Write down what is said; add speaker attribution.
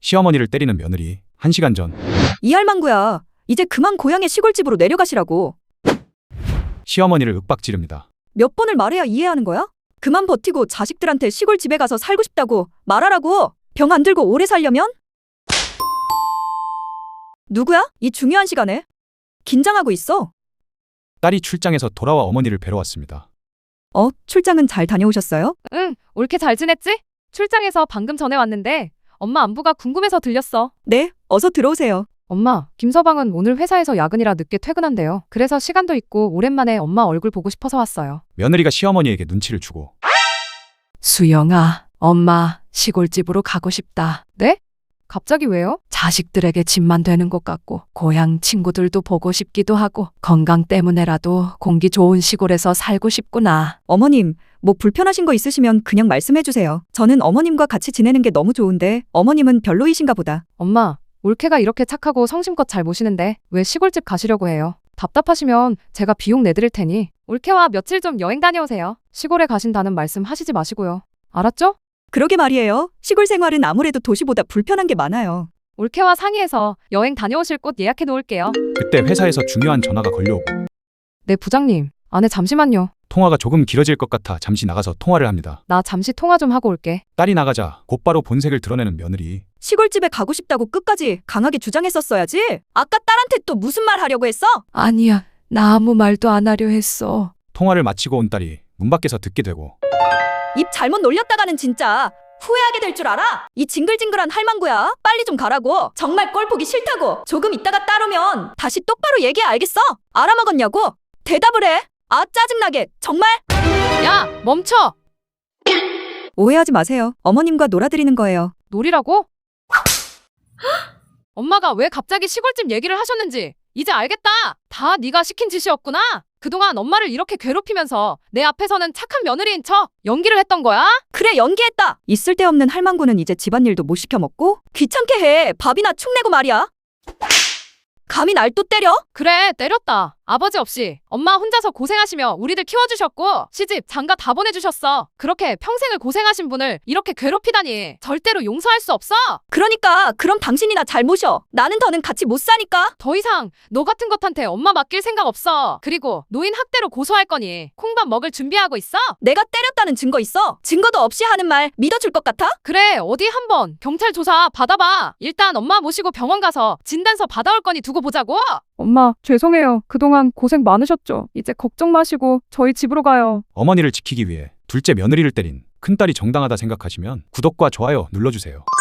Speaker 1: 시어머니를 때리는 며느리. 1시간 전
Speaker 2: 이 할망구야, 이제 그만 고향의 시골집으로 내려가시라고.
Speaker 1: 시어머니를 윽박지릅니다.
Speaker 2: 몇 번을 말해야 이해하는 거야? 그만 버티고 자식들한테 시골집에 가서 살고 싶다고 말하라고. 병 안 들고 오래 살려면? 누구야? 이 중요한 시간에? 긴장하고 있어.
Speaker 1: 딸이 출장에서 돌아와 어머니를 뵈러 왔습니다.
Speaker 2: 출장은 잘 다녀오셨어요?
Speaker 3: 응, 옳게 잘 지냈지? 출장에서 방금 전에 왔는데 엄마 안부가 궁금해서 들렸어.
Speaker 2: 네, 어서 들어오세요.
Speaker 3: 엄마, 김서방은 오늘 회사에서 야근이라 늦게 퇴근한대요. 그래서 시간도 있고 오랜만에 엄마 얼굴 보고 싶어서 왔어요.
Speaker 1: 며느리가 시어머니에게 눈치를 주고
Speaker 4: 수영아, 엄마 시골집으로 가고 싶다.
Speaker 3: 네? 갑자기 왜요?
Speaker 4: 자식들에게 집만 되는 것 같고 고향 친구들도 보고 싶기도 하고 건강 때문에라도 공기 좋은 시골에서 살고 싶구나.
Speaker 2: 어머님, 뭐 불편하신 거 있으시면 그냥 말씀해 주세요. 저는 어머님과 같이 지내는 게 너무 좋은데 어머님은 별로이신가 보다.
Speaker 3: 엄마, 올케가 이렇게 착하고 성심껏 잘 모시는데 왜 시골집 가시려고 해요? 답답하시면 제가 비용 내드릴 테니 올케와 며칠 좀 여행 다녀오세요. 시골에 가신다는 말씀 하시지 마시고요. 알았죠?
Speaker 2: 그러게 말이에요. 시골 생활은 아무래도 도시보다 불편한 게 많아요.
Speaker 3: 올케와 상의해서 여행 다녀오실 곳 예약해 놓을게요.
Speaker 1: 그때 회사에서 중요한 전화가 걸려오고
Speaker 3: 네, 부장님. 안에 잠시만요.
Speaker 1: 통화가 조금 길어질 것 같아 잠시 나가서 통화를 합니다.
Speaker 3: 나 잠시 통화 좀 하고 올게.
Speaker 1: 딸이 나가자 곧바로 본색을 드러내는 며느리.
Speaker 2: 시골집에 가고 싶다고 끝까지 강하게 주장했었어야지. 아까 딸한테 또 무슨 말 하려고 했어?
Speaker 4: 아니야, 나 아무 말도 안 하려 했어.
Speaker 1: 통화를 마치고 온 딸이 문 밖에서 듣게 되고
Speaker 2: 입 잘못 놀렸다가는 진짜 후회하게 될 줄 알아? 이 징글징글한 할망구야. 빨리 좀 가라고. 정말 꼴 보기 싫다고. 조금 있다가 따르면 다시 똑바로 얘기해. 알겠어? 알아먹었냐고? 대답을 해. 아, 짜증나게. 정말?
Speaker 3: 야, 멈춰!
Speaker 2: 오해하지 마세요. 어머님과 놀아드리는 거예요.
Speaker 3: 놀이라고? 엄마가 왜 갑자기 시골집 얘기를 하셨는지 이제 알겠다. 다 네가 시킨 짓이었구나. 그동안 엄마를 이렇게 괴롭히면서 내 앞에서는 착한 며느리인 척 연기를 했던 거야?
Speaker 2: 그래, 연기했다. 있을 데 없는 할망구는 이제 집안일도 못 시켜 먹고 귀찮게 해. 밥이나 축 내고 말이야. 감히 날 또 때려?
Speaker 3: 그래, 때렸다. 아버지 없이 엄마 혼자서 고생하시며 우리들 키워주셨고 시집 장가 다 보내주셨어. 그렇게 평생을 고생하신 분을 이렇게 괴롭히다니 절대로 용서할 수 없어.
Speaker 2: 그러니까 그럼 당신이나 잘 모셔. 나는 더는 같이 못 사니까.
Speaker 3: 더 이상 너 같은 것한테 엄마 맡길 생각 없어. 그리고 노인 학대로 고소할 거니 콩밥 먹을 준비하고 있어?
Speaker 2: 내가 때렸다는 증거 있어? 증거도 없이 하는 말 믿어줄 것 같아?
Speaker 3: 그래, 어디 한번 경찰 조사 받아봐. 일단 엄마 모시고 병원 가서 진단서 받아올 거니 두고 보자고.
Speaker 5: 엄마, 죄송해요. 그동안 고생 많으셨죠? 이제 걱정 마시고 저희 집으로 가요.
Speaker 1: 어머니를 지키기 위해 둘째 며느리를 때린 큰딸이 정당하다 생각하시면 구독과 좋아요 눌러주세요.